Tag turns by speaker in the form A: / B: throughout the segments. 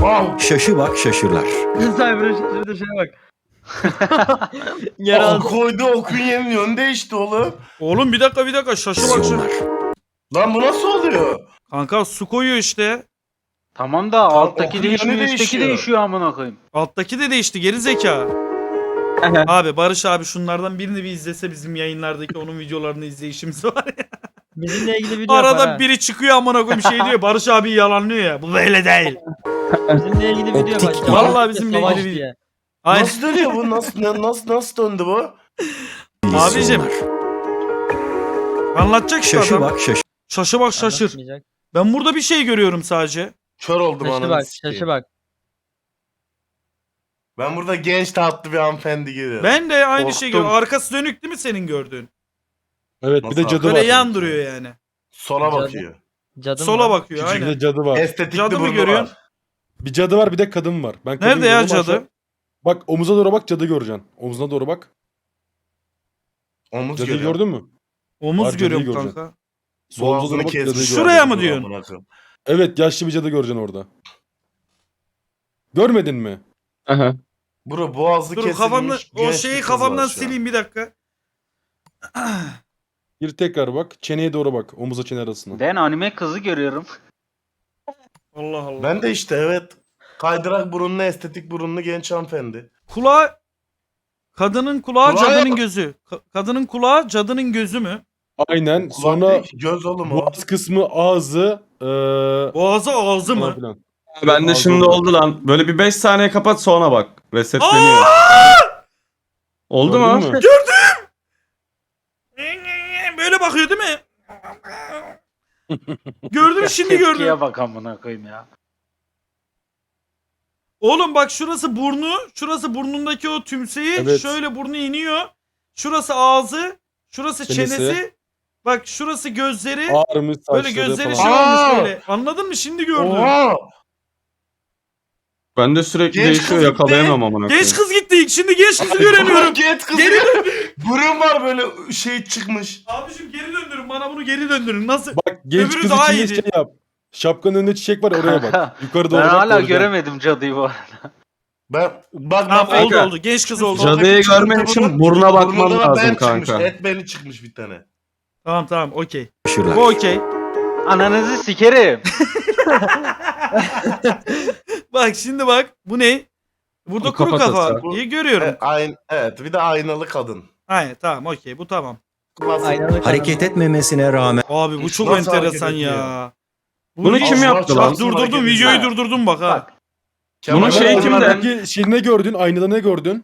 A: Ah!
B: Şaşı bak şaşırlar.
C: Cyber'a şaşırdı şeye bak.
A: Ah, koydu okun yemin yönü değişti oğlum.
D: Oğlum bir dakika şaşı bak şu.
B: Vizyonlar.
A: Lan bu nasıl oluyor?
D: Kanka su koyuyor işte.
C: Tamam da alttaki
A: okun
C: değişmiyor,
A: yönü
C: üstteki
A: değişiyor.
C: değişiyor amına koyayım.
D: Alttaki de değişti geri zeka. Abi Barış abi şunlardan birini bir izlese bizim yayınlardaki onun videolarını izleyişimiz var ya.
E: Bizimle ilgili video
D: Arada
E: yapar ha.
D: biri çıkıyor amına koyayım şey diyor Barış abi yalanlıyor ya. Bu böyle değil.
E: Bizimle ilgili video
B: Optik.
E: yapar.
D: Vallahi
E: Cevap
D: bizimle
E: savaş
D: ilgili
E: diye.
D: Aynen.
A: Nasıl dönüyor bu? Nasıl döndü bu?
D: Abicim.
B: Vizyonlar.
D: Anlatacak işte
B: Şaşı
D: adam.
B: bak şaşır.
D: Şaşı bak şaşır.
E: Anlatmayacak.
D: Ben burada bir şey görüyorum sadece.
A: Kör oldum
E: Şaşı
A: ananı
E: bak,
A: sikeyim.
E: şaşı bak.
A: Ben burada genç tatlı bir hanımefendi görüyorum.
D: Ben de aynı şey
A: Korktum.
D: görüyorum. Arkası dönük değil mi senin gördüğün?
F: Evet bir
A: Nasıl
F: de cadı
D: Böyle
F: var.
D: yan duruyor yani.
A: Sola
E: Cadı.
A: bakıyor.
E: Cadım
D: Sola
E: var.
D: bakıyor
F: Küçük
D: aynen.
F: de cadı var.
A: Estetikli
D: Cadı mı
A: burnu
D: görüyorsun?
A: var.
F: Bir cadı var bir de kadın var. Ben kadın
D: Nerede ya
F: görüyorum,
D: cadı?
F: aşağı- Bak omuza doğru bak cadı göreceksin. Omuzuna doğru bak.
A: Omuz
F: Cadıyı
A: görüyor.
F: gördün mü?
D: Omuz
F: Var, cadıyı
D: görüyorum
F: göreceksin.
D: kanka.
F: Sol omuza
A: Boğazını
F: doğru bak cadıyı
A: kesmiş.
F: gör.
D: Şuraya mı diyorsun?
A: Amına koyayım.
F: Evet yaşlı bir cadı göreceksin orada. Görmedin mi?
A: Bro boğazı
D: Dur
A: kesilmiş.
D: kafamda o
A: genç
D: şeyi
A: bir kız
D: kafamdan
A: var şu an.
D: sileyim bir dakika.
F: Bir tekrar bak. Çeneye doğru bak. Omuzla çene arasına.
C: Ben anime kızı görüyorum.
D: Allah Allah.
A: Ben de işte evet. Kaydırak burunlu, estetik burunlu genç hanımefendi.
D: Kulağı kadının kulağı
A: Kulağı
D: cadının
A: yok.
D: gözü. Kadının kulağı cadının gözü mü?
F: Aynen.
A: Kulak
F: Sonra
A: değil ki, göz oğlum o.
F: boğaz kısmı ağzı.
D: Boğazı ağzı
F: falan
D: mı?
F: filan.
G: Ben de
F: Ağzı
G: şimdi
F: oldu.
G: oldu lan. Böyle bir 5 saniye kapat sonra bak. Resetleniyor. Oldu mu?
F: Gördün mü?
D: Böyle bakıyor değil mi? Gördüm şimdi gördüm.
C: Tepkiye bak amına koyayım ya.
D: Oğlum bak şurası burnu. Şurası burnundaki o tümseyi.
F: Evet.
D: Şöyle burnu iniyor. Şurası ağzı. Şurası
F: Çenesi.
D: çenesi. Bak şurası gözleri.
F: Ağrımış saçları
D: Böyle gözleri
F: falan.
D: şey
A: Aa!
D: olmuş böyle. Anladın mı? Şimdi gördüm.
A: Oha!
G: Ben de sürekli
A: Genç
G: değişiyor
A: kız
G: yakalayamam amına koyayım.
D: Genç kız gitti. Şimdi genç kızı göremiyorum.
A: Genç kız.
D: Geri
A: Burun var böyle şey çıkmış.
D: Abicim geri döndürün. Bana bunu geri döndürün. Nasıl?
F: Bak genç
D: Öbürü
F: kız
D: daha
F: için de
D: iyiydi.
F: şey yap. Şapkanın önünde çiçek var oraya bak. Yukarı doğru
C: Ben
F: bak.
C: hala
F: göreceksin.
C: göremedim cadıyı bu arada.
A: Bak
D: Tamam oldu
G: kanka.
D: oldu. Genç kız oldu.
G: Cadıyı görmek için buruna bakman
A: Burnunda da
G: lazım
A: ben çıkmış.
G: kanka.
A: Et beni çıkmış bir tane.
D: Tamam okey.
B: Şaşırlar.
D: Bu okey.
C: Ananızı sikerim.
D: Bak şimdi bak. Bu ne? Burada
G: Bu
D: kuru
G: kafatası.
D: kafa. İyi görüyorum.
A: Evet bir de aynalı kadın.
D: Aynen tamam okey bu tamam.
A: Klasik.
E: Aynalı
B: Hareket
E: kadın.
B: etmemesine rağmen
D: Abi bu çok
A: Nasıl
D: enteresan
A: hareket ediyor?
D: ya.
G: Bunu kim
A: Allah
G: yaptı lan?
A: çarpsın
D: Durdurdum
A: hareket
D: videoyu
A: ediyor.
D: durdurdum bak ha.
C: Bak.
A: Kemal
G: Bunun şeyi
A: Aynalı
G: kimde?
A: kadın.
F: Peki şey ne gördün? Aynada ne gördün?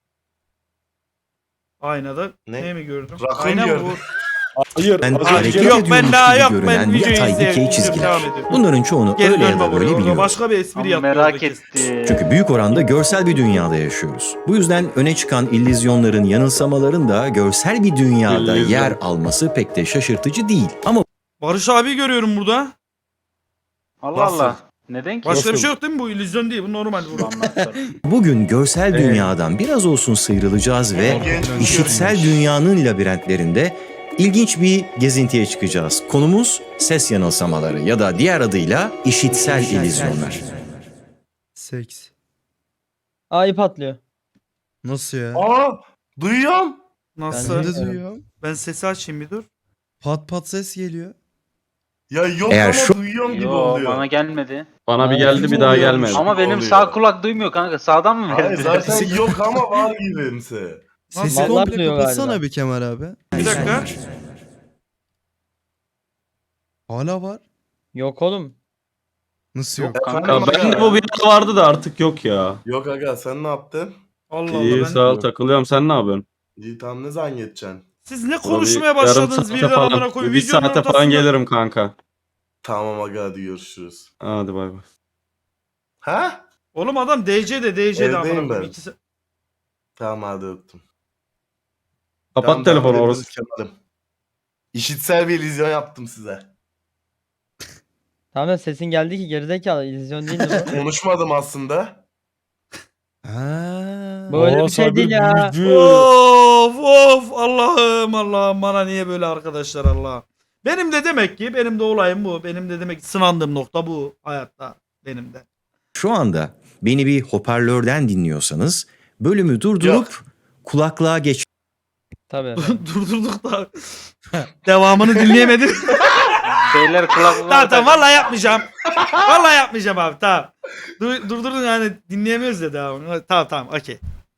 D: Aynada
A: Ne?
D: ne mi gördüm?
A: Rakun
D: Ayna mı
A: gördüm.
D: bu?
F: Hayır.
B: ben
F: az
B: hareket
F: önce-
D: Yok, ben
B: ediyormuş
D: daha
B: gibi
D: yok, ben
B: görünen
D: videoyu
B: yatay
D: izleyelim.
B: dikey
D: Devam
B: çizgiler.
D: ediyorum.
B: Bunların çoğunu
D: Geri
B: öyle ya
D: dönme
B: da böyle
D: buraya.
B: biliyoruz.
D: Başka bir espri
C: Ama
D: yaptı.
C: merak
D: oradaki.
C: etti.
B: Çünkü büyük oranda görsel bir dünyada yaşıyoruz. Bu yüzden öne çıkan illüzyonların, yanılsamaların da görsel bir dünyada
G: İllüzyon.
B: yer alması pek de şaşırtıcı değil. Ama
D: Barış abi görüyorum burada.
C: Allah
A: Nasıl?
C: Allah. Neden ki?
D: Başka bir
F: Nasıl?
D: şey yok değil mi bu? İllüzyon değil bu normal. Bu.
B: bugün görsel dünyadan biraz olsun sıyrılacağız ve
A: Genç kız
B: işitsel
A: görünmüş.
B: dünyanın labirentlerinde ilginç bir gezintiye çıkacağız. Konumuz ses yanılsamaları ya da diğer adıyla işitsel illüzyonlar.
H: Seks.
E: Aa ip atlıyor.
H: Nasıl ya?
A: Aa duyuyorum.
D: Nasıl?
H: Ben de
D: Ben,
H: duyuyorum.
D: sesi açayım bir dur.
H: Pat pat ses geliyor.
A: Ya yok
B: Eğer
A: ama
B: şu-
A: duyuyorum gibi
C: Yo
A: oluyor.
C: bana gelmedi.
G: Bana bir
E: Aa,
G: geldi bir daha
A: oluyormuş.
G: gelmedi.
C: Ama benim
A: oluyor.
C: sağ kulak duymuyor kanka. Sağdan mı
A: Hayır
C: verdi?
A: zaten yok ama var gibimse.
H: Sesi
E: Vallahi
H: komple
E: duyuyor
H: kapatsana
E: galiba.
H: bir Kemal abi.
D: Bir dakika.
H: Hala var.
E: Yok oğlum.
H: Nasıl
C: Yok
H: yok?
C: kanka.
G: Ya ben de bu bir ara vardı da artık yok ya.
A: Yok aga sen ne yaptın?
D: Allah Allah.
G: İyi
D: Ben...
G: sağ ol takılıyorum sen ne yapıyorsun?
A: İyi tamam ne zaman geçeceksin?
D: Siz ne
G: Ulan
D: konuşmaya
G: bir yarım
D: başladınız
G: saate
D: birden amına
G: falan,
D: koyayım.
G: bir
D: Videonun
G: saate falan
D: ortasında-
G: gelirim kanka.
A: Tamam aga hadi görüşürüz.
G: Hadi bay bay.
A: Ha?
D: Oğlum adam DC'de amına
A: Evdeyim
D: koyayım.
A: ben.
D: İkisi...
A: Tamam hadi öptüm.
G: Kapat
A: Tamam,
G: telefonu
A: devam
G: orası.
A: ederiz Kemal'im. İşitsel bir illüzyon yaptım size.
E: Tamam da sesin geldi ki gerizekalı. İllüzyon değil mi bu?
A: Konuşmadım aslında.
H: Ha.
E: Bu öyle
F: Aa,
E: bir şey
F: Cyber
E: değil ya.
F: büyücü.
D: Of Allah'ım bana niye böyle arkadaşlar Allah. Benim de demek ki benim de olayım bu. Benim de demek ki sınandığım nokta bu hayatta benim de.
B: şu anda beni bir hoparlörden dinliyorsanız bölümü durdurup kulaklığa geç.
E: Tabii.
D: Durdurduk da. Devamını dinleyemedim.
C: Beyler kulaklıklar.
D: Tamam vallahi yapmayacağım. Vallahi yapmayacağım abi tamam. Durdurdun yani dinleyemiyoruz ya devamını. Tamam okey.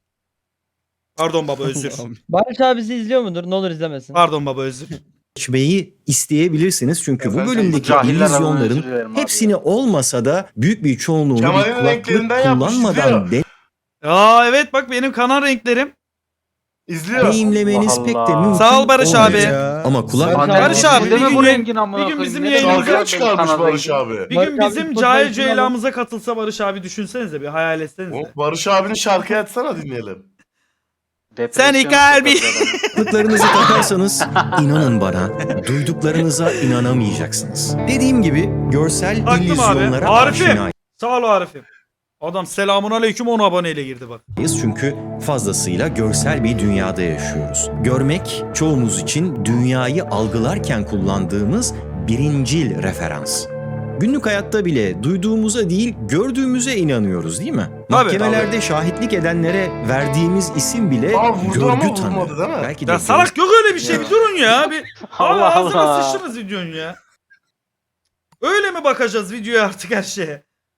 D: Pardon baba özür.
E: Barış abi bizi izliyor mudur? Ne olur izlemesin.
D: Pardon baba özür.
B: Geçmeyi isteyebilirsiniz çünkü bu
A: Efendim,
B: bölümdeki
C: cahiller adına özür
B: illüzyonların
C: dilerim abi
B: hepsini olmasa da büyük bir çoğunluğunu
A: Kemal'in
B: bir kulaklık
A: renklerinden yapmış,
B: kullanmadan
A: izliyor.
D: Aa evet bak benim kanal renklerim.
A: İzliyor.
B: deneyimlemeniz
C: Allah
B: pek de
C: Allah.
B: mümkün
D: Sağ ol Barış abi.
B: olmayacak. Ama kulak
E: Barış
D: abi,
C: Değil
D: bir
C: mi
D: gün
C: bu
D: yayın-
C: rengin amına
D: bir gün
C: koyayım?
D: bizim
C: Ne
D: yayınımıza
C: güzel
A: Şarkı
C: benim
A: çıkarmış
C: kanal
A: Barış
C: rengim.
A: abi.
D: Bir
E: Barış
D: gün
E: abi,
D: bizim
E: futbol
D: Cahil
E: maçına
D: Ceyla'mıza katılsa Barış abi düşünsenize bir hayal etsenize.
A: Barış abinin şarkıyı açsana dinleyelim.
C: Depresyona
D: Seni kalbi.
C: sokarlar adamı.
B: kulaklıklarınızı takarsanız inanın bana duyduklarınıza inanamayacaksınız. Dediğim gibi görsel
D: Haklım abi.
B: illüzyonlara
D: Arif'im.
B: aşinayız
D: Sağ ol Arif'im. Adam selamun aleyküm 10 aboneyle girdi bak.
B: çünkü fazlasıyla görsel bir dünyada yaşıyoruz. Görmek çoğumuz için dünyayı algılarken kullandığımız birincil referans. Günlük hayatta bile duyduğumuza değil gördüğümüze inanıyoruz değil mi? Mahkemelerde şahitlik edenlere verdiğimiz isim bile
A: Aa, vurdu ama
B: görgü tanığı.
A: vurmadı değil mi?
B: Belki de
D: Ya salak yok öyle bir şey bir durun ya. Bir
C: Allah
D: ağzına
C: Allah.
D: sıçtınız videonun ya. Öyle mi bakacağız videoya artık her şeye?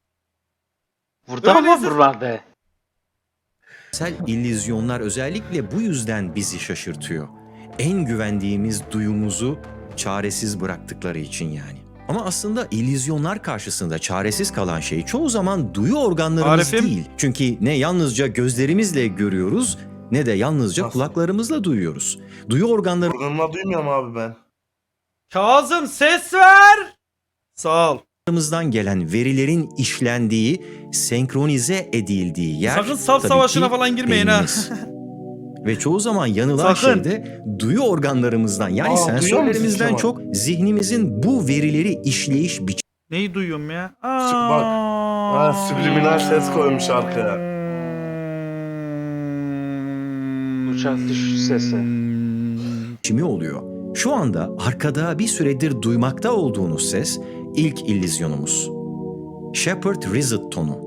C: Burada ama
D: Öyleyse-
C: buralarda.
B: görsel illüzyonlar özellikle bu yüzden bizi şaşırtıyor. En güvendiğimiz duyumuzu çaresiz bıraktıkları için yani. Ama aslında illüzyonlar karşısında çaresiz kalan şey çoğu zaman duyu organlarımız
D: Arif'im.
B: değil. Çünkü ne yalnızca gözlerimizle görüyoruz ne de yalnızca
A: Nasıl?
B: kulaklarımızla duyuyoruz. Duyu organlarımız
A: Organına duymuyorum abi ben.
D: Kazım ses ver. Sağ ol.
B: Larımızdan gelen verilerin işlendiği, senkronize edildiği yer
D: Sakın saf
B: tabii
D: savaşına
B: ki
D: falan girmeyin ha.
B: beynimiz. Ve çoğu zaman yanılan
D: Sakın.
B: şey de duyu organlarımızdan yani
A: Aa, duyuyor musun
B: sensörlerimizden
A: Kemal?
B: çok zihnimizin bu verileri işleyiş
D: Neyi duyuyorum ya?
A: Bak. Ha, subliminal ses koymuş arkaya.
C: Uçak düşüş sesi.
B: biçimi oluyor. Şu anda arkada bir süredir duymakta olduğunuz ses ilk illüzyonumuz. Shepard Rizzet tonu.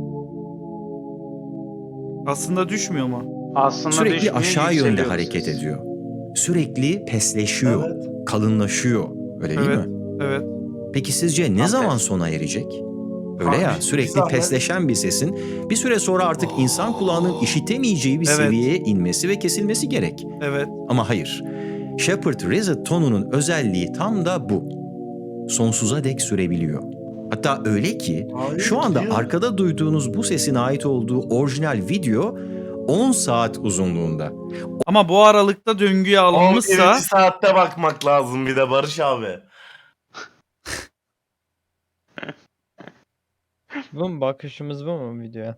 D: Aslında düşmüyor mu?
C: Aslında
B: Sürekli
C: düşmüyor,
B: aşağı yönde
C: yükseliyor
B: hareket
C: ses.
B: ediyor. Sürekli pesleşiyor,
A: Evet.
B: kalınlaşıyor. Öyle değil
D: Evet.
B: mi?
D: Evet.
B: Peki sizce ne
C: Tam
B: zaman
C: tersi.
B: sona erecek? Öyle
A: Abi,
B: ya
A: bir
B: sürekli
A: zahmet.
B: pesleşen bir sesin bir süre sonra artık insan kulağının işitemeyeceği bir
D: Evet.
B: seviyeye inmesi ve kesilmesi gerek.
D: Evet.
B: Ama hayır. Shepard Rizzet tonunun özelliği tam da bu. Sonsuza dek sürebiliyor. Hatta öyle ki
A: Hayır,
B: şu anda
A: gidiyor.
B: arkada duyduğunuz bu sesin ait olduğu orijinal video 10 saat uzunluğunda.
D: Ama bu aralıkta döngüye alınmışsa
A: 11. saatte bakmak lazım bir de Barış abi.
E: Bu mu? Bakışımız bu mu videoya?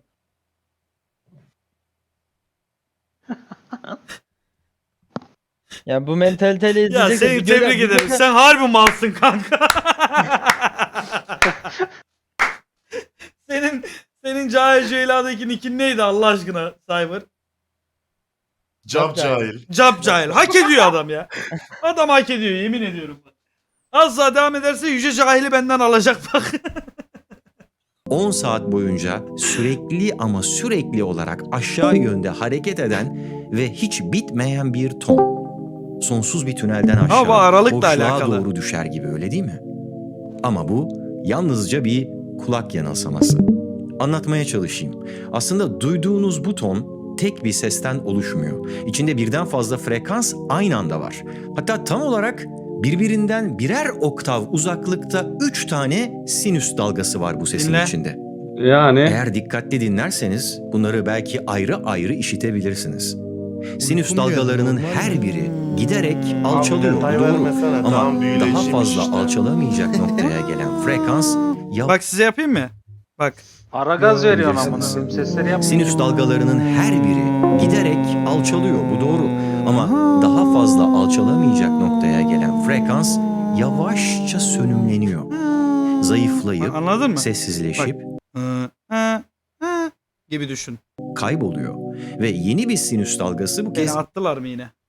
E: Ya bu mentaliteyle
D: ya
E: izleyecek.
D: seni tebrik ederim. Sen harbi malsın kanka. senin Cahil Ceyla'daki nickin neydi Allah aşkına Cyber?
A: Cap cahil.
D: Cap Cahil. Hak ediyor adam ya. Adam hak ediyor yemin ediyorum. Az daha devam ederse Yüce Cahil'i benden alacak bak.
B: 10 saat boyunca sürekli ama sürekli olarak aşağı yönde hareket eden ve hiç bitmeyen bir ton. Sonsuz bir tünelden
D: Ama bu
B: aşağı
D: aralıkla
B: boşluğa
D: alakalı.
B: doğru düşer gibi öyle değil mi? Ama bu yalnızca bir kulak yanılsaması. Anlatmaya çalışayım. Aslında duyduğunuz bu ton tek bir sesten oluşmuyor. İçinde birden fazla frekans aynı anda var. Hatta tam olarak birbirinden birer oktav uzaklıkta 3 tane sinüs dalgası var bu sesin
D: Dinle.
B: içinde.
G: Yani
B: Eğer dikkatli dinlerseniz bunları belki ayrı ayrı işitebilirsiniz. Sinüs
H: Uykum geldi,
B: dalgalarının
H: normal
B: her
H: mi?
B: biri giderek alçalıyor,
A: detay
B: doğru.
A: vermesene,
B: Ama
A: tamam,
B: daha
A: büyüleyiciymiş
B: fazla
A: işte.
B: alçalamayacak noktaya gelen frekans
D: Bak size yapayım mı? Bak.
C: Ara gaz veriyorsun
B: Bilirsiniz.
C: amına koyayım. Sesleri yapma.
B: Sinüs dalgalarının her biri giderek alçalıyor, bu doğru. Ama daha fazla alçalamayacak noktaya gelen frekans yavaşça sönümleniyor. Zayıflayıp,
D: Anladın mı?
B: sessizleşip
D: Gibi düşün.
B: kayboluyor. Ve yeni bir sinüs dalgası bu
D: Beni
B: kez
D: attılar mı yine?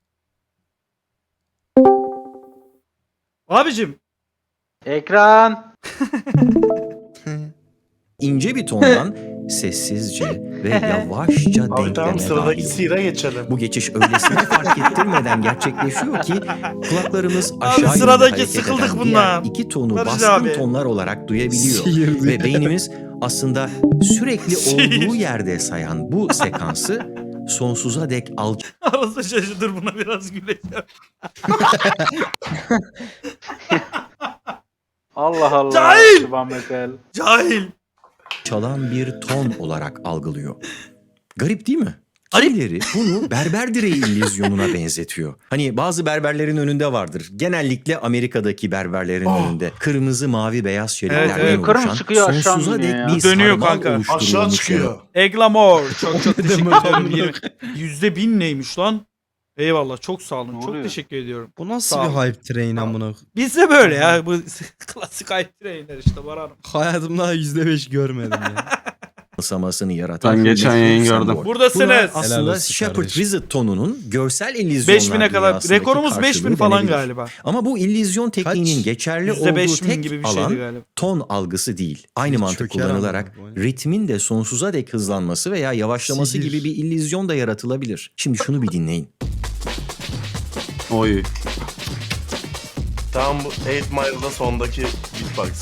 D: Abicim
C: Ekran.
B: ince bir tondan sessizce ve yavaşça
A: Abi tamam,
B: denkleme
A: sıradaki
B: dahil
A: sira
B: oluyor.
A: geçelim.
B: Bu geçiş öylesine fark ettirmeden gerçekleşiyor ki kulaklarımız aşağı yönlü
D: sıradaki
B: hareket
D: sıkıldık
B: eden
D: bundan.
B: diğer iki tonu
D: Barış
B: baskın
D: abi.
B: tonlar olarak duyabiliyor.
H: Sihirli.
B: Ve beynimiz aslında sürekli
D: Sihir.
B: olduğu yerde sayan bu sekansı sonsuza dek
D: Arası şaşırdır, buna biraz güleceğim.
C: Allah Allah.
D: Cahil!
C: Subhaneke.
D: Cahil.
B: çalan bir ton olarak algılıyor. Garip değil mi?
D: Garip.
B: Kimileri bunu berber direği illüzyonuna benzetiyor. Hani bazı berberlerin önünde vardır. Genellikle Amerika'daki berberlerin önünde. Kırmızı, mavi, beyaz şeritlerden
D: evet.
C: Yukarı mı
B: oluşan
C: çıkıyor, aşağı mı
B: sonsuza
C: iniyor
B: dek
C: ya?
B: bir
D: Dönüyor
B: sarmal
D: kanka.
B: oluşturulmuş
A: Aşağı çıkıyor.
D: Eglamor. Çok teşekkür ederim. %1000 neymiş lan? Eyvallah, çok sağ olun.
C: Ne
D: Çok
C: oluyor?
D: teşekkür ediyorum.
H: Bu nasıl
D: Sağ ol.
H: bir hype train amına?
D: Bizde böyle ya. Bu klasik hype trainler işte, Baran.
H: Hayatımda %5 görmedim ya.
B: yanılsamasını yaratan
G: Ben geçen
B: meşhur
G: yayın
B: sembol.
G: gördüm.
D: Buradasınız.
B: Buna
H: Helal
B: aslında
H: olsun
B: Shepard
H: kardeşim.
B: Wizard tonunun görsel illüzyonlar
D: 5000'e kadar.
B: dünyasındaki
D: Rekorumuz 5000
B: karşılığı
D: falan
B: denebilir.
D: galiba.
B: Ama bu illüzyon tekniğinin
H: Kaç?
B: geçerli olduğu
D: %5000
B: tek
D: gibi bir şeydi
B: alan
D: galiba.
B: ton algısı değil. Aynı
H: Bir
B: mantık
H: çöker
B: kullanılarak
H: ama bu.
B: ritmin de sonsuza dek hızlanması veya yavaşlaması
H: Sihir.
B: gibi bir illüzyon da yaratılabilir. Şimdi şunu bir dinleyin.
G: Oy.
A: Tamam, bu 8 Mile'da sondaki beatbox.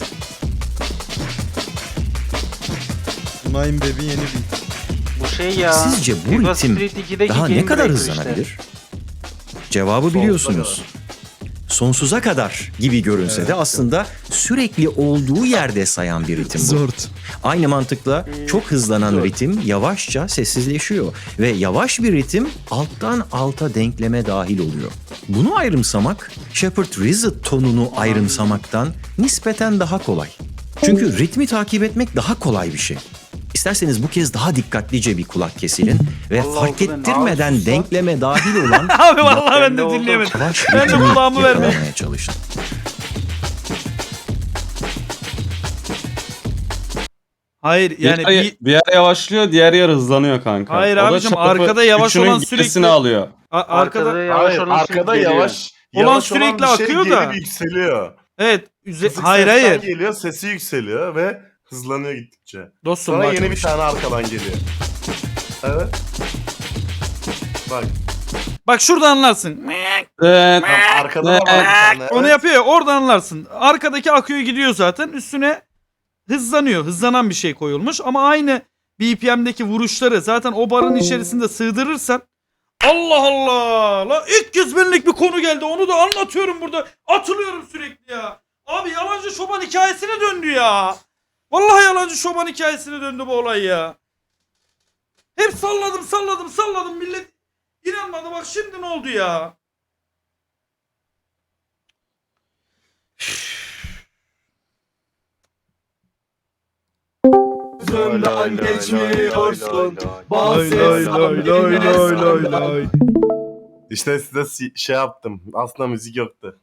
H: Tunay'ın bebi yeni bir.
C: Bu şey ya.
B: Sizce bu
C: Viva
B: ritim
C: Street 2'deki
B: daha ne
C: Game
B: kadar
C: Breaker
B: hızlanabilir? Cevabı biliyorsunuz. Sonsuza kadar gibi görünse de aslında sürekli olduğu yerde sayan bir ritim bu.
H: Zort.
B: Aynı mantıkla çok hızlanan ritim yavaşça sessizleşiyor ve yavaş bir ritim alttan alta denkleme dahil oluyor. Bunu ayrımsamak Shepard Wizard tonunu ayrımsamaktan nispeten daha kolay. Çünkü ritmi takip etmek daha kolay bir şey. İsterseniz bu kez daha dikkatlice bir kulak kesilin ve
C: Allah
B: fark
C: Allah, ben
B: ettirmeden
C: ağzım
B: denkleme dahil olan
D: Abi vallahi ben de
C: de oldu.
D: dinleyemedim.
B: yavaş
D: Ben de
B: ritmi
D: kulağımı vermeyeyim.
B: yakalamaya çalışın.
D: Hayır yani
G: bir yer yavaşlıyor, diğer yer hızlanıyor kanka.
D: Hayır
G: O da
D: abicim,
G: çapı
D: arkada yavaş
G: üçünün
D: olan
G: gerisini
D: sürekli-
G: alıyor.
D: arkada
C: yavaş
A: Hayır,
C: olan
A: arkada
C: sürekli
A: yavaş.
D: Olan
A: Yavaş
D: sürekli
A: bir şey
D: akıyor
A: geri
D: da.
A: bir yükseliyor.
D: evet
A: Kısık
D: hayır
A: sesten
D: hayır
A: geliyor, sesi yükseliyor ve hızlanıyor gittikçe.
D: dostum
A: Sonra
D: bak.
A: yeni bir tane arkadan geliyor. Evet. Bak.
D: Bak şurada anlarsın.
G: Evet.
A: Arkada da var bir tane.
D: Onu
A: evet.
D: yapıyor ya, orada anlarsın. Arkadaki akıyor gidiyor zaten, üstüne hızlanıyor. Hızlanan bir şey koyulmuş ama aynı BPM'deki vuruşları zaten o barın içerisinde sığdırırsan, Allah Allah! La ilk kez benlik bir konu geldi. Onu da anlatıyorum burada. Atılıyorum sürekli ya. Abi yalancı çoban hikayesine döndü ya. Vallahi yalancı çoban hikayesine döndü bu olay ya. Hep salladım. Millet inanmadı. Bak şimdi ne oldu ya?
A: Gözümden geçmiyorsun. İşte size şey yaptım. Aslında müzik yoktu.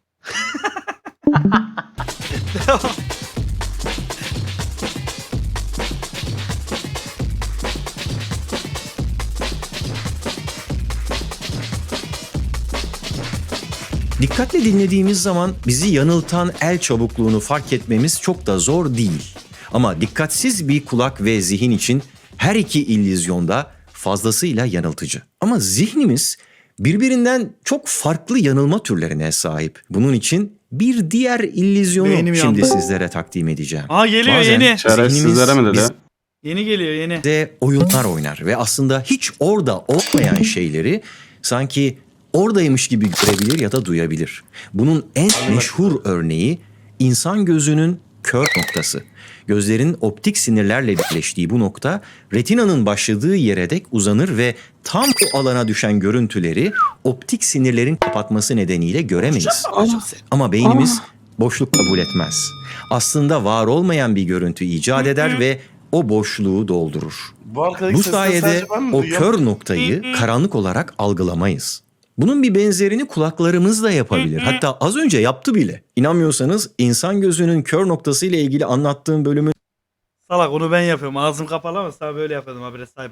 B: Dikkatle dinlediğimiz zaman bizi yanıltan el çabukluğunu fark etmemiz çok da zor değil. Ama dikkatsiz bir kulak ve zihin için her iki illüzyonda fazlasıyla yanıltıcı. Ama zihnimiz birbirinden çok farklı yanılma türlerine sahip. Bunun için bir diğer illüzyonu
D: Beynim
B: şimdi
D: yandı.
B: sizlere takdim edeceğim.
D: Aa geliyor
B: Bazen
D: yeni.
G: Şerefsizlere mi dedi?
B: Biz-
D: Yeni geliyor yeni.
B: de oyunlar oynar ve aslında hiç orada olmayan şeyleri sanki oradaymış gibi görebilir ya da duyabilir. Bunun en meşhur örneği insan gözünün kör noktası. Gözlerin optik sinirlerle birleştiği bu nokta retinanın başladığı yere dek uzanır ve tam o alana düşen görüntüleri optik sinirlerin kapatması nedeniyle göremeyiz. Ama beynimiz boşluk kabul etmez. Aslında var olmayan bir görüntü icat eder ve o boşluğu doldurur.
A: Bu arkadaki
B: Bu
A: sesleri
B: sayede
A: sadece ben mi
B: o
A: duyuyorum?
B: kör noktayı karanlık olarak algılamayız. Bunun bir benzerini kulaklarımız da yapabilir. Hatta az önce yaptı bile. İnanmıyorsanız insan gözünün kör noktası ile ilgili anlattığım bölümün
D: Salak onu ben yapıyorum. Ağzım kapalı ama sana böyle yapıyordum habire cyber.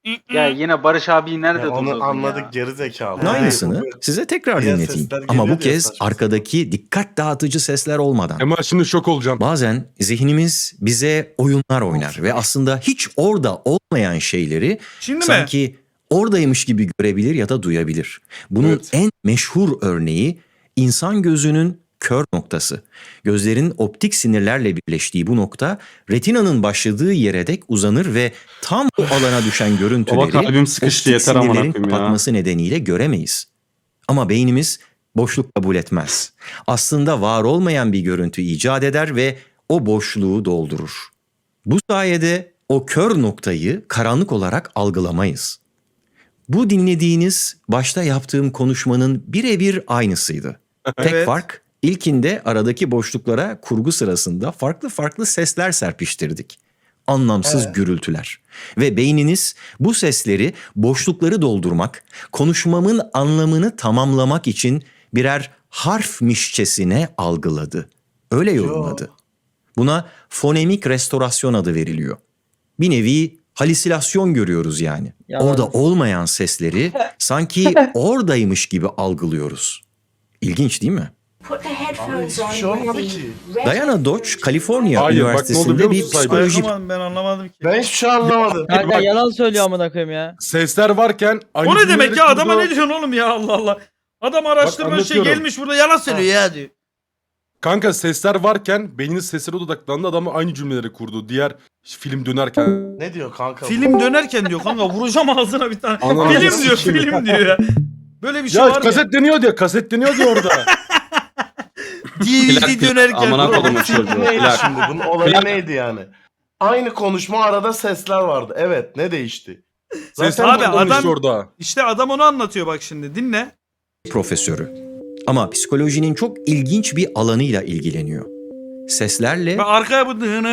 C: Ya yine Barış abi nerede
A: Ya onu
C: durdurdun
A: anladık
C: ya?
A: geri zekalı.
B: Aynısını size tekrar
A: Diğer
B: dinleteyim.
A: sesler
B: Ama
A: geliyor
B: bu
A: diye
B: kez
A: saçma
B: arkadaki dikkat dağıtıcı sesler olmadan.
F: Kemal şimdi şok olacaksın.
B: Bazen zihnimiz bize oyunlar oynar ve aslında hiç orada olmayan şeyleri
D: Şimdi mi?
B: sanki oradaymış gibi görebilir ya da duyabilir. Bunun
F: Evet.
B: en meşhur örneği insan gözünün kör noktası. Gözlerin optik sinirlerle birleştiği bu nokta retinanın başladığı yere dek uzanır ve tam bu alana düşen
G: Baba
B: görüntüleri
G: kalbim sıkıştı
B: optik
G: yeter amına
B: sinirlerin
G: koyayım ya.
B: kapatması nedeniyle göremeyiz. Ama beynimiz boşluk kabul etmez. Aslında var olmayan bir görüntü icat eder ve o boşluğu doldurur. Bu sayede o kör noktayı karanlık olarak algılamayız. Bu dinlediğiniz başta yaptığım konuşmanın birebir aynısıydı. Tek
D: Evet.
B: fark ilkinde aradaki boşluklara kurgu sırasında farklı farklı sesler serpiştirdik. Anlamsız gürültüler. Ve beyniniz bu sesleri, boşlukları doldurmak, konuşmamın anlamını tamamlamak için birer harfmişçesine algıladı. Öyle yorumladı. Buna fonemik restorasyon adı veriliyor. Bir nevi halüsinasyon görüyoruz yani.
E: Yalan.
B: Orada olmayan sesleri sanki oradaymış gibi algılıyoruz. İlginç değil mi?
I: Put the headphones on
A: hiçbir şey olmadı
I: with the
A: ki.
B: Diana Dodge, Kaliforniya
F: Hayır, bak ne oldu
B: Üniversitesi'nde
F: biliyor
B: bir
F: musun Saygı?
B: psikoloji
D: Ben anlamadım ki.
A: Ben hiçbir şey anlamadım.
E: Kanka
F: bak-
E: yalan söylüyor amına koyayım ya.
F: Sesler varken aynı
D: O ne demek
F: cümleleri
D: ya? Adama
F: kurdu.
D: ne diyorsun oğlum ya, Allah Allah. Adam araştırma şey
F: anlatıyorum.
D: gelmiş burada yalan söylüyor ya diyor.
F: Kanka sesler varken beyniniz seslere odaklandı, adam aynı cümleleri kurdu. Diğer film dönerken.
A: Ne diyor kanka? bu?
D: Film dönerken diyor kanka, vuracağım ağzına bir tane.
F: Anladım.
D: Film diyor, film diyor ya. Böyle bir şey
F: Ya
D: var
F: kaset deniyor diyor, kaset deniyor diyor orada.
D: ya. DVD dönerken.
G: Amına
D: bro.
G: kodumun çocuğu.
A: Neydi
G: Plak.
A: şimdi? Bunun olayı neydi yani? Aynı konuşma arada sesler vardı. Evet, ne değişti?
F: Ses
D: Abi,
F: abi
D: adam-
F: adam orada.
D: İşte adam onu anlatıyor bak şimdi, dinle.
B: profesörü. Ama psikolojinin çok ilginç bir alanıyla ilgileniyor. Seslerle
D: Ve arkaya bu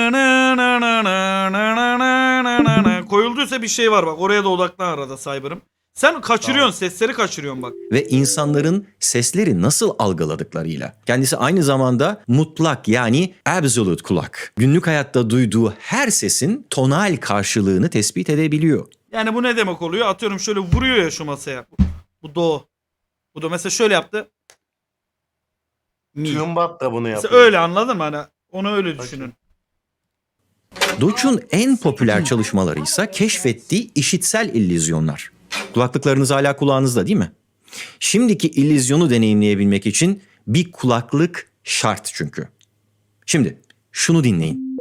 D: koyulduysa bir şey var bak, oraya da odaklan arada Cyber'ım. Sen kaçırıyorsun, sesleri kaçırıyorsun bak.
B: ve insanların sesleri nasıl algıladıklarıyla. Kendisi aynı zamanda mutlak yani absolute kulak. Günlük hayatta duyduğu her sesin tonal karşılığını tespit edebiliyor.
D: Yani bu ne demek oluyor? Atıyorum şöyle vuruyor ya şu masaya. Bu do. Bu da mesela şöyle yaptı. Mi.
A: Tüyumbat da bunu
D: Mesela
A: yapıyor.
D: öyle, anladın mı? Hani onu öyle düşünün.
B: Dodge'un en popüler çalışmaları ise keşfettiği işitsel illüzyonlar. Kulaklıklarınız hala kulağınızda değil mi? Şimdiki illüzyonu deneyimleyebilmek için bir kulaklık şart çünkü. Şimdi şunu dinleyin.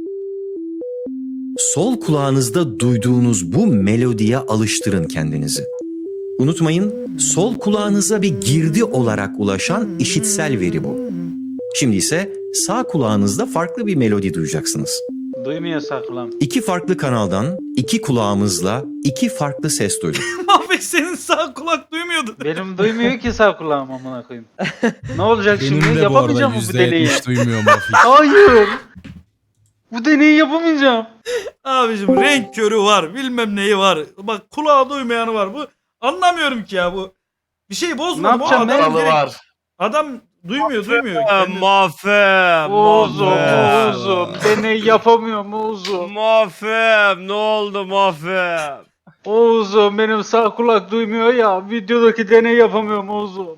B: Sol kulağınızda duyduğunuz bu melodiye alıştırın kendinizi. Unutmayın, sol kulağınıza bir girdi olarak ulaşan işitsel veri bu. Şimdi ise sağ kulağınızda farklı bir melodi duyacaksınız.
C: Duymuyor saklam.
B: İki farklı kanaldan, iki kulağımızla iki farklı ses duyduk.
D: Mahvet, senin sağ kulak duymuyordu.
C: Benim duymuyor ki sağ kulağım amına koyayım. Ne olacak
H: Benim
C: şimdi?
H: de bu arada
C: Yapamayacağım mı bu deneyi?
H: %70 duymuyor Mafik.
C: Hayır. Bu deneyi yapamayacağım.
D: Abicim renk körü var, bilmem neyi var. Bak kulağı duymayanı var. Bu anlamıyorum ki ya bu. Bir şey bozmadı
C: Ne
D: bu
C: yapacağım
D: adam.
C: ben?
A: Dalı var.
D: Adam duymuyor. Kendi-
C: Oğuzum. Deney yapamıyorum Oğuzum.
J: Mafem ne oldu Mafem?
C: Oğuzum benim sağ kulak duymuyor ya. Videodaki deney yapamıyorum Oğuzum.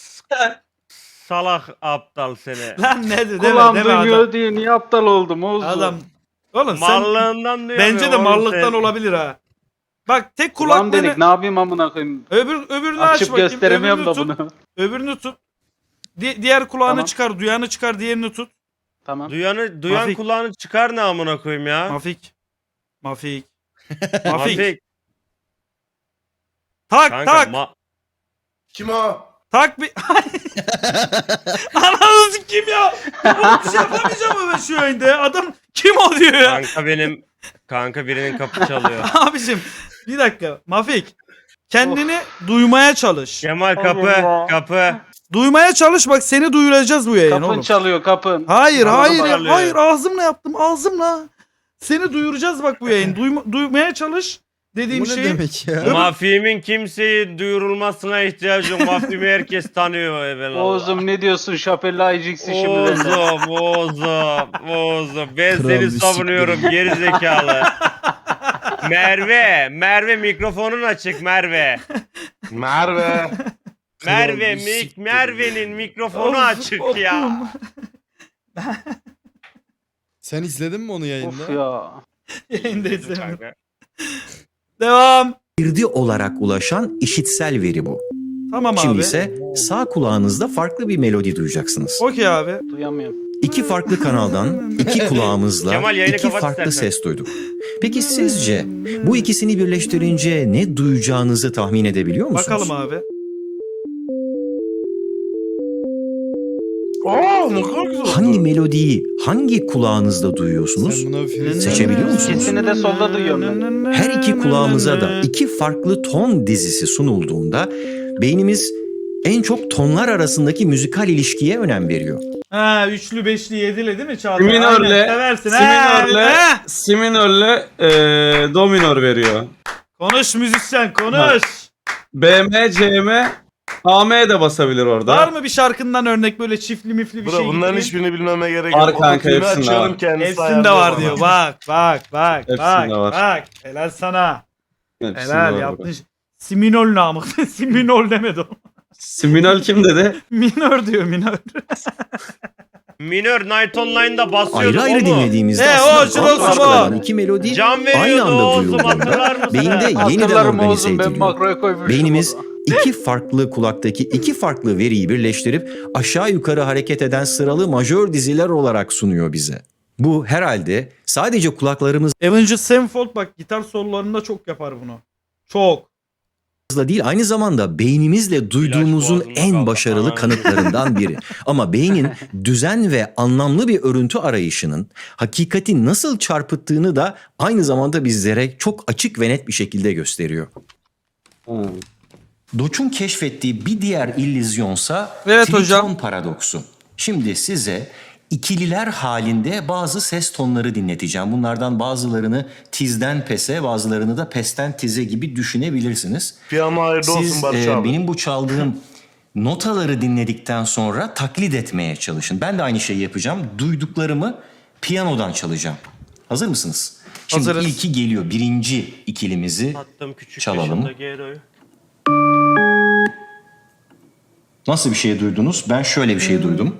J: Salak aptal seni.
D: Lan ne de
C: Kulağım
D: deme
C: duymuyor
D: adam.
C: diye niye aptal oldum Oğuzum?
D: Adam. Oğlum sen
J: Mallığından duyamıyor.
D: bence de
J: oğlum
D: mallıktan
J: sen.
D: olabilir ha. Bak tek
C: Kulağım
D: kulaklarını
C: dedik ne yapayım amına koyayım.
D: öbürünü aç
C: Açıp
D: bakayım.
C: gösteremiyorum da
D: öbürünü tut.
C: bunu.
D: Öbürünü tut. Diğer kulağını
C: Tamam.
D: çıkar, duyanı çıkar, diğerini tut.
C: Tamam.
J: Duyan
D: Mafik.
J: kulağını çıkar ne amına koyayım ya?
D: Mafik. Mafik. Mafik.
J: Mafik.
D: Tak
J: Kanka,
D: tak.
A: Kim o?
D: Tak bir... Ananı kim ya? Oğlum bir şey yapamayacağım mı ben şu yayında ya? Adam kim o diyor ya?
J: Kanka birinin kapı çalıyor.
D: Abicim bir dakika. Mafik. Kendini duymaya çalış.
J: Kemal
C: Allah.
J: kapı.
D: Duymaya çalış, bak seni duyuracağız bu yayın
C: Kapın
D: oğlum.
C: çalıyor kapın.
D: Hayır
C: Kapın
D: hayır
C: çalıyor.
D: hayır, ağzımla yaptım, ağzımla. Seni duyuracağız bak bu yayın. Duymaya çalış dediğim
H: Bu ne
D: şey.
H: demek ya?
J: Mafimin kimseyi duyurulmasına ihtiyacı yok. Mafimi herkes tanıyor evelallah.
C: Oğuzum ne diyorsun Şapelli Aycıks'i şimdi benden.
J: Oğuzum. Ben
H: Kral
J: seni
H: bir
J: savunuyorum geri zekalı. Merve mikrofonun açık Merve.
A: Merve.
J: Merve'nin mikrofonu
D: Of,
J: açık
D: of.
J: ya.
H: Sen izledin mi onu yayında?
C: Of ya.
D: Yayında izlemedim. Devam.
B: girdi olarak ulaşan işitsel veri bu.
D: Tamam
B: Şimdi
D: abi.
B: ise sağ kulağınızda farklı bir melodi duyacaksınız.
D: Okey abi.
C: Duyamıyorum.
B: İki farklı kanaldan iki kulağımızla
J: Kemal, yayını
B: iki
J: kapat
B: farklı
J: istersen.
B: ses duyduk. Peki sizce bu ikisini birleştirince ne duyacağınızı tahmin edebiliyor musunuz?
D: Bakalım abi.
A: Aa ne kadar güzel oldu.
B: Hangi melodiyi hangi kulağınızda duyuyorsunuz?
H: Sen buna bir film
B: Seçebiliyor musunuz?
C: İkisini de solda duyuyorum ben.
B: Her iki kulağımıza da iki farklı ton dizisi sunulduğunda beynimiz en çok tonlar arasındaki müzikal ilişkiye önem veriyor.
D: Ha üçlü beşli yedili değil mi Çağatay?
G: Minörle,
D: Aynen, seversin.
G: si minörle do minör veriyor.
D: Konuş müzisyen konuş.
G: BM, CM, AM de basabilir orada.
D: Var mı bir şarkından örnek böyle çiftli mifli bir
A: Bro
D: şey?
A: bunların
D: gibi?
A: hiçbirini bilmeme gerek
G: Var
A: yok.
G: kanka,
A: Ototüne'ü
G: hepsinde
A: açıyorum,
G: var.
A: kendisi
D: Hepsinde var
A: ayarlıyor
D: diyor.
A: bana.
D: Bak.
G: Hepsinde var.
D: Bak. Helal sana.
G: Hepsinde
D: Helal
G: var
D: yaptın. Siminol namık. Siminol demedi o.
G: Siminal kim dedi?
D: Minör diyor minör.
J: Minör Night Online'da basıyorduk
B: Ayrı ayrı
J: o mu?
B: dinlediğimizde
D: o,
B: aslında
D: şurası
B: bambaşka
D: bu.
B: olan iki melodi
J: Can
B: aynı
J: veriyordu
B: anda
J: Oğuz'um, hatırlar
B: duyulduğunda
J: mısın?
B: beyinde yeniden
C: Hatırlarım
B: organize
C: Oğuz'um, ben
B: ediliyor.
C: makroya koymuştum.
B: Beynimiz iki farklı kulaktaki iki farklı veriyi birleştirip aşağı yukarı hareket eden sıralı majör diziler olarak sunuyor bize. Bu herhalde sadece kulaklarımızla
D: Avenged Sevenfold bak gitar sololarında çok yapar bunu. Çok.
B: değil aynı zamanda beynimizle duyduğumuzun
J: boğazımda
B: en
J: kaldı.
B: başarılı
J: Aa.
B: kanıtlarından biri. Ama beynin düzen ve anlamlı bir örüntü arayışının hakikati nasıl çarpıttığını da aynı zamanda bizlere çok açık ve net bir şekilde gösteriyor. Doç'un keşfettiği bir diğer illüzyonsa
D: Evet
B: tritron
D: hocam.
B: paradoksu. Şimdi size ikililer halinde bazı ses tonları dinleteceğim. Bunlardan bazılarını tizden pese, bazılarını da pesten tize gibi düşünebilirsiniz.
A: Piyano hayırlı olsun
B: Siz
A: Barış abi.
B: benim bu çaldığım notaları dinledikten sonra taklit etmeye çalışın. Ben de aynı şeyi yapacağım. Duyduklarımı piyanodan çalacağım. Hazır mısınız? Şimdi
D: Hazırız.
B: ilki geliyor. Birinci ikilimizi
J: Attım küçük
B: çalalım.
J: yaşımda Gero'yu.
B: Nasıl bir şey duydunuz? Ben şöyle bir şey duydum.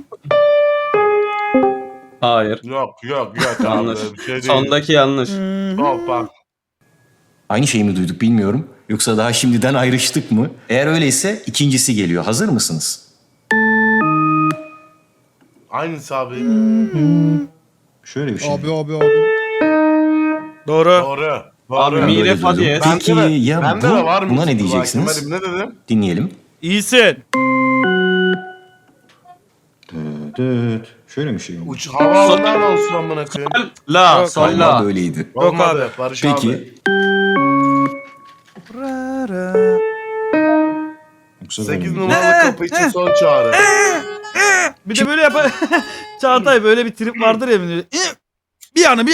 G: Hayır.
A: Yok abi.
G: Yanlış.
A: Bir şey değil.
G: Sondaki yanlış.
A: Hoppa.
B: Aynı şeyi mi duyduk bilmiyorum. Yoksa daha şimdiden ayrıştık mı? Eğer öyleyse ikincisi geliyor. Hazır mısınız?
A: Aynısı abi.
B: Şöyle bir şey.
H: Abi.
D: Doğru.
A: Doğru.
G: Abi
A: Doğru.
G: mi
B: Böyle
G: re fa
B: duydum.
G: diyez.
B: Peki ya
A: Bende de var
B: bu?
A: mı?
B: Buna ne diyeceksiniz?
A: Kemal'im ne dedim?
B: Dinleyelim.
D: İyisin.
B: Şöyle bir şey oldu.
A: Uç havaalanından olsun amına koyayım.
G: La,
D: Yok,
G: sol
B: Galiba
G: la.
B: böyleydi.
A: Olmadı Barış abi.
B: Peki. Yoksa böyle
A: 8
B: miydi?
A: numaralı kapı için son çağrı.
D: Bir de böyle yapar. Çağatay böyle bir trip vardır ya. Bir yana.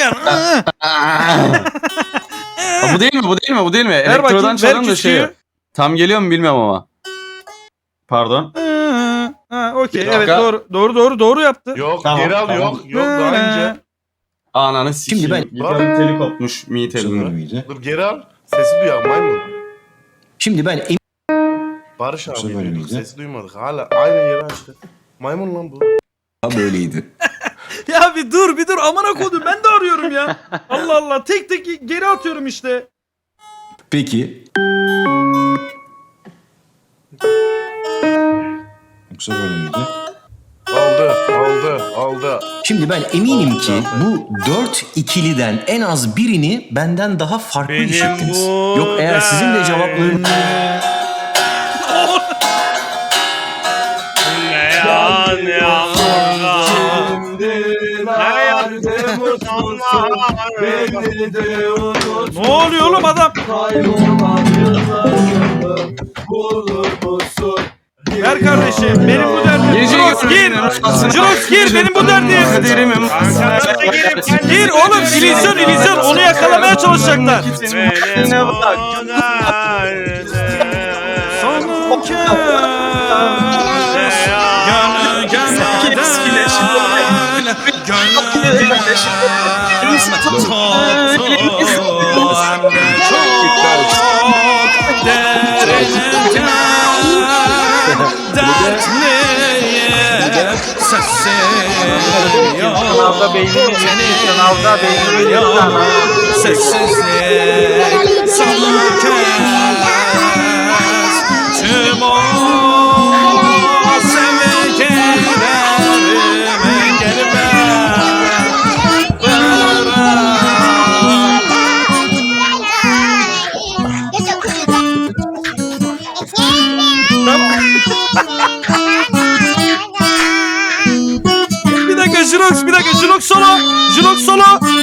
G: Ha, bu değil mi? Bu değil mi?
D: Ver
G: Elektrodan
D: bakayım, ver
G: çalın da
D: küsküyü.
G: şey. Tam geliyor mu bilmiyorum ama. Pardon.
D: Ha, okey.
G: Bir
D: Evet
G: dakika.
D: doğru yaptı.
A: Yok
G: Tamam,
A: geri al
G: tamam.
A: yok daha önce.
G: Ananı sikeyim.
B: Şimdi ben-
G: Gitarın teli kopmuş mi
B: Yoksa böyle
G: telinde.
B: miydi?
A: Dur geri al. Sesi duyalım maymun.
B: Şimdi ben
A: Barış
B: Yoksa
A: abi
B: böyle
A: duyduk,
B: miydi?
A: sesi duymadık. Hala aynı yeri açtı. Maymun lan bu.
B: böyleydi.
D: Ya bir dur amına kodum ben de arıyorum ya. Allah Allah tek geri atıyorum işte.
B: Peki. Yoksa böyle miydi?
A: Oldu.
B: Şimdi ben eminim ki bu 4 ikiliden en az birini benden daha farklı
J: Benim
B: işittiniz.
J: bu
B: Yok eğer sizin de cevaplarınız...
J: Ne yağmurlar. Ne yardım utanlar.
D: Ne oluyor oğlum adam? Ver kardeşim benim bu derdim.
G: Gece
D: Jirox gir benim bu derdim.
G: Kaderimim.
D: Gir oğlum illüzyon onu yakalamaya çalışacaklar.
J: Benim
G: Ne bak.
J: bu derdim.
D: Son kez
C: Sınavda beynini sınavda beynini sana.
D: Sessizlik sana kes. Tüm o sevgilerime gelme. Bir dakika Jirox solo. Jirox solo.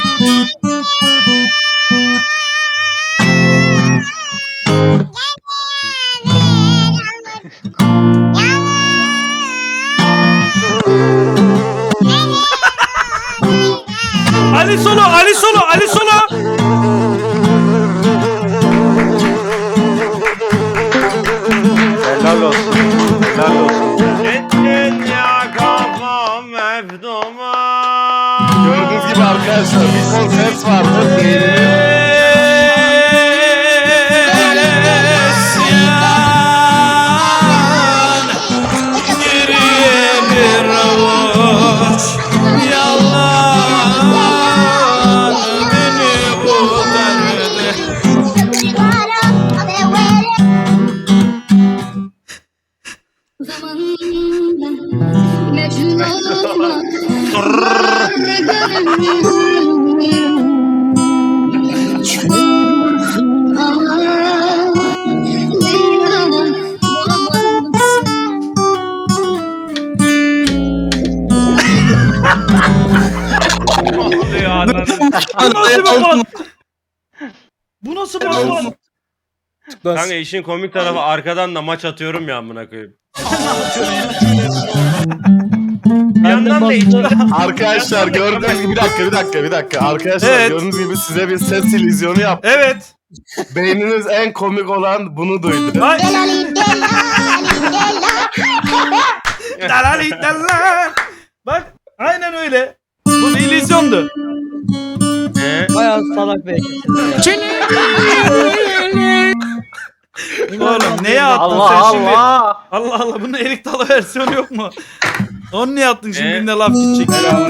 D: Ali solo.
C: Helal olsun. Helal olsun.
J: Gittin ya kafam mevduma.
A: Gördüğünüz gibi arkadaşlar bir ton ses vardı.
D: Bu nasıl bas?
J: Kanka işin komik tarafı arkadan da maç atıyorum ya amına koyayım. Bir yandan da
A: Arkadaşlar gördüğünüz gibi bir dakika. Arkadaşlar
D: Evet.
A: gördüğünüz gibi size bir ses illüzyonu yaptım.
D: Evet.
A: Beyniniz en komik olan bunu duydu.
D: Ay. Dalali dalala. Bak aynen öyle. Bu bir illüzyondu.
E: Bayağı salak bir ekipsiniz ya.
D: Oğlum neye attın
C: Allah
D: sen şimdi?
C: Allah.
D: Allah Allah bunun erik dalı versiyonu yok mu? Onu niye attın şimdi
J: Ee?
D: birine laf gidecek.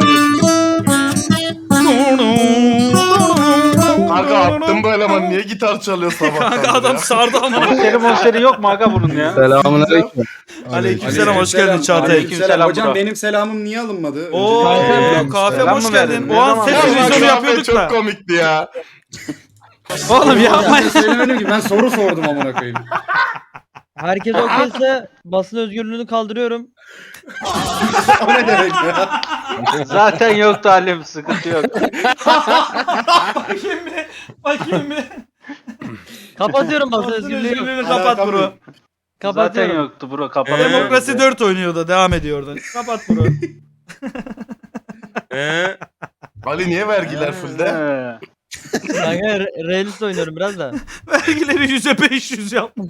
A: Kanka attım böyle ama niye gitar çalıyor sabahtan
D: Kanka adam
A: ya?
D: sardı ama.
C: Konseri yok mu aga bunun ya?
H: Selamünaleyküm.
D: Aleykümselam hoş geldin Çağatay.
C: Aleykümselam
H: Hocam
C: bro.
H: benim selamım niye alınmadı?
D: Oo kahve
C: Selam
D: hoş
C: mı
D: geldin.
C: verdin?
D: O an
C: Ne
D: ses
C: zaman?
D: illüzyonu
A: Kahve
D: yapıyorduk
A: çok
D: da.
A: komikti ya.
D: Oğlum yapma.
H: Söylemedim ki ben soru sordum amına koyayım.
E: Herkes okeyse basın özgürlüğünü kaldırıyorum.
H: O ne demek ya?
C: Zaten yok talim sıkıntı yok.
D: Bakayım bir.
E: Kapatıyorum basın
D: Basın
E: özgürlüğü. yok.
D: özgürlüğünü kapat bro.
C: Zaten
E: Kapatıyorum.
C: yoktu bro kapalı.
D: Demokrasi 4 oynuyor da devam ediyor oradan. Kapat bro.
A: Ali niye vergiler fullde?
E: Kanka realist oynuyorum biraz da.
D: Vergileri %500 yaptım.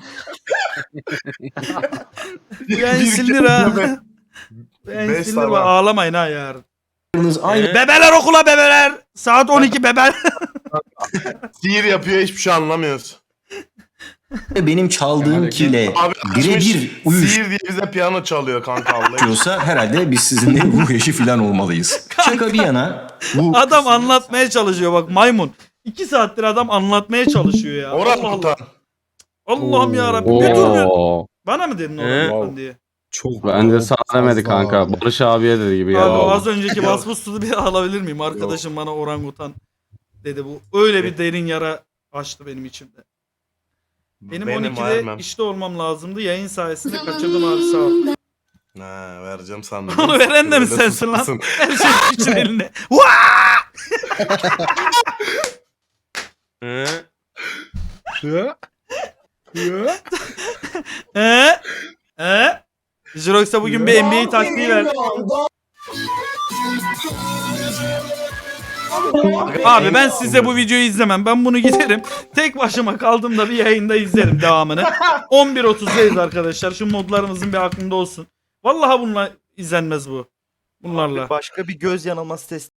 D: Ben
A: Bir
D: sinir
A: kere
D: ha.
A: be-
D: Ben
A: Beş
D: sinir
A: sabah.
D: ağlamayın ha yarın.
B: Aynı
D: Bebeler okula bebeler. Saat 12 bebeler.
A: Sihir yapıyor hiçbir şey anlamıyoruz.
B: benim çaldığım kile
A: Abi
B: birebir
A: sihir diye bize piyano çalıyor kanka Allah.
B: uyuşuyorsa herhalde biz sizinle ruh eşi falan olmalıyız. Şaka bir yana bu
D: Adam anlatmaya çalışıyor bak maymun. 2 saattir adam anlatmaya çalışıyor ya.
A: Orhan
D: Allah Allah.
A: Kutan.
D: Allah'ım yarabbim. Bir dur bir. Bana mı dedin Orhan Kutan diye?
H: Çok
G: Bence sana demedi kanka. Barış abiye dedi gibi geldi.
D: Abi
G: oldu.
D: az önceki basbustuzu bir alabilir miyim? Arkadaşım bana orangutan dedi bu. Öyle bir derin yara açtı benim içimde. Benim 12'de
A: vermem.
D: işte olmam lazımdı. Yayın sayesinde kaçırdım abi sağ ol.
A: Ha vereceğim sandım.
D: Onu veren de mi
A: Öyle
D: sensin lan?
A: susmasın.
D: Her şey için eline. Vaa! Jirox'a bugün bir NBA taktiği ver. Abi ben size bu videoyu izlemem. Ben bunu giderim. Tek başıma kaldığımda bir yayında izlerim devamını. 11.30'dayız arkadaşlar. Şu modlarımızın bir aklında olsun. Vallahi bununla izlenmez bu. Bunlarla.
I: Başka bir göz yanılması testi